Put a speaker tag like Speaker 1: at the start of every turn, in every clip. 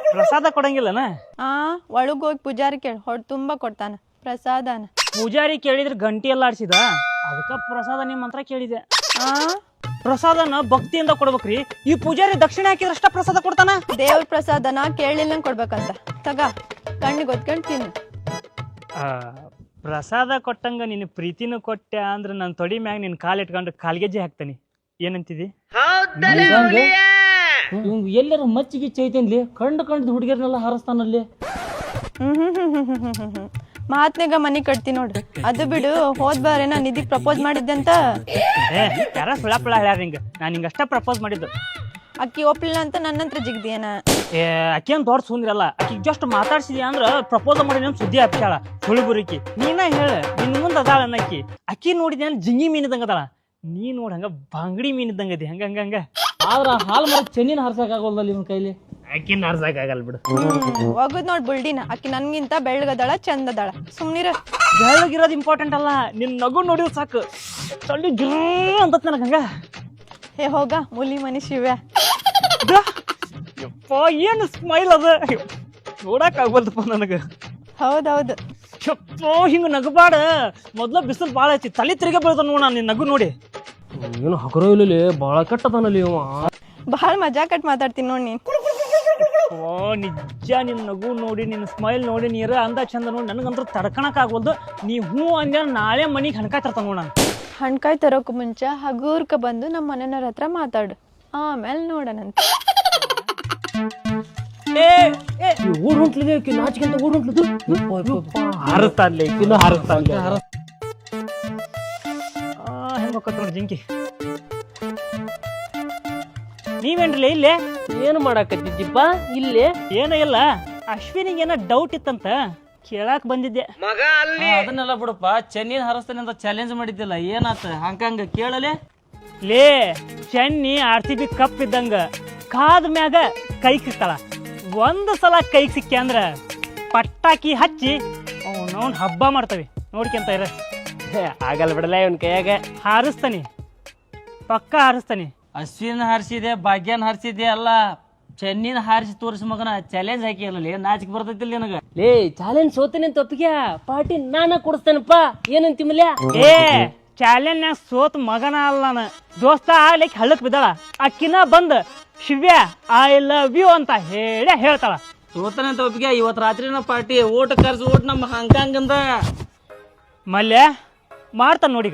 Speaker 1: ಪ್ರಸಾದ ಕೊಡಂಗಿಲ್ಲನ?
Speaker 2: ಒಳಗ್ ಹೋಗಿ ಪೂಜಾರಿ ಕೇಳಿ ಹೊಡ್ ತುಂಬಾ ಕೊಡ್ತಾನ ಪ್ರಸಾದನ.
Speaker 1: ಪೂಜಾರಿ ಕೇಳಿದ್ರೆ ಗಂಟಿ ಎಲ್ಲ ಆಡ್ಸಿದ, ಅದಕ್ಕ ಪ್ರಸಾದ ನಿಮ್ಮ ಮಂತ್ರ ಕೇಳಿದೆ. ಪ್ರಸಾದನ ಭಕ್ತಿಯಿಂದ ಕೊಡ್ಬೇಕ್ರಿ. ಈ ಪೂಜಾರಿ ದಕ್ಷಿಣ ಹಾಕಿದ್ರಷ್ಟ ಪ್ರಸಾದ ಕೊಡ್ತಾನ.
Speaker 2: ದೇವ್ರ ಪ್ರಸಾದನ ಕೇಳಿಲ್ಲ ಕೊಡ್ಬೇಕಂತ. ತಗ ಕಣ್ಣಿಗೆ ಒತ್ಕೊಂಡ್ ತಿನ್ನು.
Speaker 1: ಪ್ರಸಾದ ಕೊಟ್ಟಂಗ ನಿನ್ನ ಪ್ರೀತಿನೂ ಕೊಟ್ಟೆ ಅಂದ್ರೆ ನನ್ನ ತೊಡಿ ಮ್ಯಾಗ ನಿನ್ ಕಾಲ್ ಇಟ್ಕೊಂಡು ಕಾಲ್ಗೆಜ್ಜೆ ಹಾಕ್ತಾನಿ. ಏನಂತಿದಿ?
Speaker 3: ಎಲ್ಲಾರ ಮಚ್ಚಿಗೆ ಚೈತನ್ಲಿ ಕಂಡು ಹುಡುಗಿಯರ್ನೆಲ್ಲ ಹಾರಿಸ್ತಾನಲ್ಲಿ.
Speaker 2: ಮಹಾತ್ಮೆಗ ಮನಿ ಕಟ್ತಿ ನೋಡ್ರಿ. ಅದು ಬಿಡು, ಹೋದ್ ಬಾರೆ ನಾ ನಿಧಿಗ್ ಪ್ರಪೋಸ್ ಮಾಡಿದ್ದೆ ಅಂತ.
Speaker 1: ಯಾರ ಸುಳ ಪುಳ ಹೇಳ್ಯಾರ ನಿಂಗ? ನಾನು ನಿಂಗಷ್ಟ ಪ್ರಪೋಸ್ ಮಾಡಿದ್ದು.
Speaker 2: ಅಕ್ಕಿ ಒಪ್ಲಿಲ್ಲ ಅಂತ ನನ್ನಂತ್ರ ಜಿಗ್ದಿಯೇನ?
Speaker 1: ಅಕ್ಕೇನ್ ದೊಡ್ಡ ಸುಂದ್ರಲ್ಲ. ಅಕ್ಕಿಗೆ ಜಸ್ಟ್ ಮಾತಾಡ್ಸಿದ್ಯಾ ಅಂದ್ರ ಪ್ರಪೋಸ್ ಮಾಡಿ ನಮ್ ಸುದ್ದಿ ಹಬ್ಸಾಳ ಸುಳಿಬುರಿಕಿ. ನೀನ ಹೇಳ, ನಿನ್ ಮುಂದ್ ಅದಾಳ ಅನ್ನಕ್ಕಿ. ಅಕ್ಕಿ ನೋಡಿದ್ಯ ಜಿಂಗಿ ಮೀನಿದಂಗ ಅದಾಳ, ನೀ ನೋಡ್ ಹಂಗ ಬಾಂಗಡಿ ಮೀನಿದಂಗ ಅದಿ. ಹಂಗ
Speaker 3: ಆದ್ರ ಹಾಲ್ ಮರ ಚೆನ್ನಿನ ಹಾರ್ಸಕ್ ಆಗೋಲ್ದಲ್ಲಿ ಇವನ್ ಕೈಲಿ.
Speaker 1: ಅಕ್ಕಿನ ಹಾರ್ಸಕ್ ಆಗಲ್ ಬಿಡು.
Speaker 2: ಹೋಗುದ್ ನೋಡ್ ಬುಲ್ಡಿನ. ಅಕ್ಕಿ ನನ್ಗಿಂತ ಬೆಳ್ಳಗದಾಳ, ಚಂದದಾಳ. ಸುಮ್ನಿರ.
Speaker 1: ಬೆಳ್ಳಗಿರೋದು ಇಂಪಾರ್ಟೆಂಟ್ ಅಲ್ಲ, ನಿನ್ ನಗು ನೋಡಿದ್ ಸಾಕು ತಳ್ಳಿ ಗಿರ್ ಅಂತ ನನಗ. ಹಂಗ
Speaker 2: ಹೇ ಹೋಗ ಮುಲಿ ಮನಿ ಶಿವ್ಯ.
Speaker 1: ಯಪ್ಪ ಏನು ಸ್ಮೈಲ್ ಅದ, ನೋಡಕ್ ಆಗ್ಬಲ್ದಪ್ಪ ನನಗ.
Speaker 2: ಹೌದೌದು.
Speaker 1: ಯಪ್ಪ ಹಿಂಗ ನಗಬಾಡ. ಮೊದ್ಲ ಬಿಸಿಲು ಬಾಳ ಐತಿ, ತಲೆ ತಿರುಗಿ ಬೀಳ್ತಾನ ನೋಡ ನಿನ್ ನಗು ನೋಡಿ.
Speaker 3: ಏನು ಹಗರೋ ಇಲ್ಲ, ಬಾಳ ಕೆಟ್ಟದನಲ್ಲಿ ಇವ.
Speaker 2: ಬಹಳ ಮಜಾ ಕಟ್ ಮಾತಾಡ್ತೀನಿ ನೋಡ್ ನೀನ್.
Speaker 1: ಓ ನಿಜ, ನಿನ್ ನಗು ನೋಡಿ, ನಿನ್ ಸ್ಮೈಲ್ ನೋಡಿ, ನೀರ ಅಂದ ಚಂದ ನೋಡಿ ನನಗಂತೂ ತಡ್ಕಣಕ್ ಆಗ್ವಲ್ದು. ನೀ ಹೂ ಅಂದ್ಯ ನಾಳೆ ಮನಿಗೆ ಹಣ್ಕಾಯ್ ತರ್ತಾನ ನೋಡ.
Speaker 2: ಹಣ್ಕಾಯ್ ತರೋಕ್ ಮುಂಚೆ ಹಗೂರ್ಕ ಬಂದು ನಮ್ಮ ಮನೆಯವ್ರ ಹತ್ರ ಮಾತಾಡು, ಆಮೇಲೆ ನೋಡೋಣಂತ.
Speaker 3: ಊರ್ ಹೊಂಟ್ಲಿದೆ ನಾಚಿಕೆಂತ ಊರ್ ಹೊಂಟ್ಲದು.
Speaker 1: ಹಾರಸ್ತಾನ್ಲೆ ಇನ್ನು ಹಾರಸ್ತಾನ್ಲೆ. ಹೆಂಗ ನೋಡಿ ಜಿಂಕಿ. ನೀವೇನ್ರಲ್ಲ ಇಲ್ಲೇ
Speaker 3: ಏನು ಮಾಡಾಕತ್ತಿದ್ದೀಪ್ಪ ಇಲ್ಲೇ?
Speaker 1: ಏನೋ ಇಲ್ಲ, ಅಶ್ವಿನಿಗೆ ಏನೋ ಡೌಟ್ ಇತ್ತಂತ ಕೇಳಾಕ್ ಬಂದಿದ್ದೆ.
Speaker 3: ಅದನ್ನೆಲ್ಲ ಬಿಡಪ್ಪ, ಚೆನ್ನಿನ ಹಾರಿಸ್ತಾನೆ ಅಂತ ಚಾಲೆಂಜ್ ಮಾಡಿದ್ದಿಲ್ಲ, ಏನಾತ? ಹಂಗಂಗ ಕೇಳಲೆ.
Speaker 1: ಲೇ, ಚೆನ್ನಿ RCB ಕಪ್ ಇದ್ದಂಗ ಕಾದ ಮ್ಯಾಗ ಕೈಗೆ ಸಿಕ್ತಾಳ. ಒಂದು ಸಲ ಕೈಗೆ ಸಿಕ್ಕಿ ಅಂದ್ರ ಪಟಾಕಿ ಹಚ್ಚಿ ಅವನವನ್ ಹಬ್ಬ ಮಾಡ್ತವಿ. ನೋಡ್ಕೊಂತ ಇರ.
Speaker 3: ಆಗಲ್ಲ ಬಿಡಲ್ಲ ಇವನ್ ಕೈಯಾಗ.
Speaker 1: ಹಾರಿಸ್ತಾನಿ, ಪಕ್ಕ ಹಾರಿಸ್ತಾನಿ.
Speaker 3: ಅಶ್ವಿನ್ ಹಾರಿಸಿದೆ, ಭಾಗ್ಯನ್ ಹಾರಿಸಿದೆ ಅಲ್ಲ, ಚೆನ್ನಿನ ಹಾರಿಸಿ ತೋರಿಸ ಮಗನ ಚಾಲೆಂಜ್ ಹಾಕಿ ಅಲ್ಲ. ನಾಚಿಕೆ ಬರ್ತೈತಿಲ್ಲ ನನಗ. ಲೇ, ಚಾಲೆಂಜ್ ಸೋತೇನೆ ಅಂತ ಒಪ್ಪಿಗೆ ಪಾರ್ಟಿ ನಾನ ಕೊಡಿಸ್ತೇನಪ್ಪ. ಏನಂತಿಮಲ್ಯ?
Speaker 1: ಏ ಚಾಲೆಂಜ್ನಾಗ ಸೋತ್ ಮಗನ ಅಲ್ಲ ನಾನು, ದೋಸ್ತ ಆಗ್ಲಿಕ್ಕೆ ಹಳ್ಳಕ್ ಬಿದ್ದಾಳ. ಅಕ್ಕಿನ ಬಂದ್ ಶಿವ್ಯ ಐ ಲವ್ ಯು ಅಂತ ಹೇಳ್ತಾಳ.
Speaker 3: ಸೋತನೆ ಅಂತ ಒಪ್ಪಿಗೆ ಇವತ್ತು ರಾತ್ರಿನ ಪಾರ್ಟಿ. ಓಟ್ ಕರ್ಸಿ ಓಟ್ ನಮ್ಮ ಹಾಂಗ್ಕಾಂಗ್ ಅಂದ
Speaker 1: ಮಲ್ಯ ಮಾಡ್ತಾನ ನೋಡಿಗ.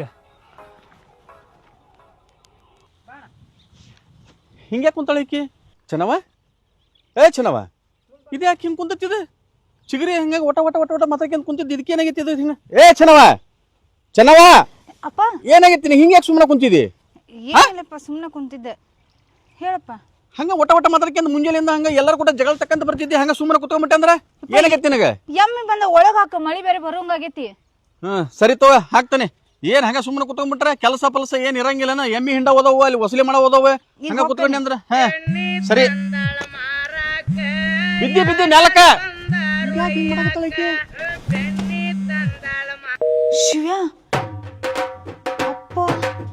Speaker 4: ಹಿಂಗೆ ಕುಂತಾಳ ಈಕಿ ಚೆನ್ನವ. ಚೆನ್ನವ, ಇದು ಯಾಕೆ ಹಿಂಗೆ ಕುಂತಿದ್ದು? ಚಿಗರಿ ಹಂಗಾಗಿ ಒಟ ಒಟ ಒಟ ಒಟ ಮಾತಾಡ್ಕೊಂತ ಕುಂತಿದ್ದು, ಇದಕ್ಕೆ ಏನಾಗೈತಿ ಇದು ಹಿಂಗ? ಚೆನ್ನವ
Speaker 5: ಅಪ್ಪ
Speaker 4: ಏನಾಗೈತಿ? ಹಿಂಗೆ ಯಾಕೆ ಸುಮ್ಮನೆ ಕುಂತಿದ್ದಿ?
Speaker 5: ಏನಿಲ್ಲಪ್ಪ, ಸುಮ್ಮನೆ ಕುಂತಿದ್ದೆ. ಹೇಳಪ್ಪ.
Speaker 4: ಹಂಗ ಒಟ ಒಟ ಮಾತಾಡ್ಕೊಂತ ಮುಂಜಾನೆಯಿಂದ ಹಂಗ ಎಲ್ಲರೂ ಕೂಡ ಜಗಳ ತಕ್ಕಂತ ಬರ್ತಿದ್ದಿ, ಹಂಗ ಸುಮ್ಮನೆ ಕುತ್ಕೊಂಡ್ಬಿಟ್ಟೆ ಅಂದ್ರ ಏನಾಗೈತಿ ನಿನಗ?
Speaker 5: ಎಮ್ಮಿ ಬಂದ ಒಳಗ ಹಾಕ, ಮಳಿ ಬೇರೆ ಬರೋಂಗಾಗೈತಿ.
Speaker 4: ಸರಿ ತಗೋ, ಹಾಕ್ತಾನೆ. ಏನ್ ಹಂಗ ಸುಮ್ಮನೆ ಕುತ್ಕೊಂಡ್ಬಿಟ್ರೆ ಕೆಲಸ ಪಲಸ ಏನ್ ಇರಂಗಿಲ್ಲನ? ಎಮ್ಮಿ ಹಿಂಡ ಓದವು, ಅಲ್ಲಿ ವಸೂಲಿ ಮಾಡೋ ಓದವು, ಹಂಗ ಕುತ್ಕೊಂಡಿ ಅಂದ್ರ ಸರಿ. ಬಿದ್ದಿ ನೆಲಕ್ಕ.
Speaker 5: ಶಿವ್ಯ ಅಪ್ಪ,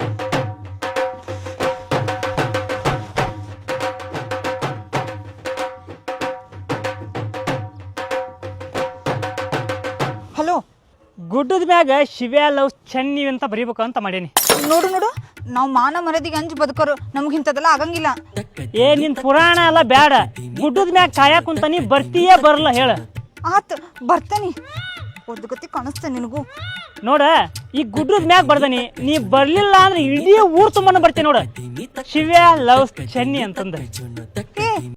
Speaker 5: ಹಲೋ.
Speaker 1: ಗುಡ್ಡದ ಮ್ಯಾಗ ಶಿವ್ಯ ಲವ್ ಚೆನ್ನಿ ಅಂತ ಬರೀಬೇಕು ಅಂತ ಮಾಡೇನಿ.
Speaker 5: ನೋಡು ನೋಡು, ನಾವು ಮಾನ ಮರದಿಗೆ ಅಂಜು ಬದುಕೋರು, ನಮಗಿಂತದೆಲ್ಲ ಆಗಂಗಿಲ್ಲ.
Speaker 1: ಏ ನಿನ್ ಪುರಾಣ ಎಲ್ಲ ಬ್ಯಾಡ. ಗುಡ್ಡದ ಮ್ಯಾಗ ಕಾಯಕ್ ಕುಂತ ನೀ ಬರ್ತೀಯೇ ಬರಲ್ಲ ಹೇಳ.
Speaker 5: ಆತ್ ಬರ್ತಾನಿ, ಒದ್ಗತಿ ಕಾಣಿಸ್ತೇನೆ ನಿನಗೂ.
Speaker 1: ನೋಡ, ಈ ಗುಡ್ಡದ ಮ್ಯಾಗ ಬರ್ದಾನಿ, ನೀ ಬರ್ಲಿಲ್ಲ ಅಂದ್ರೆ ಇಡೀ ಊರ್ ತುಂಬಾನ ಬರ್ತೀನಿ ನೋಡ. ಶಿವ್ಯ ಲವ್ ಚೆನ್ನಿ ಅಂತಂದ.
Speaker 5: ಏ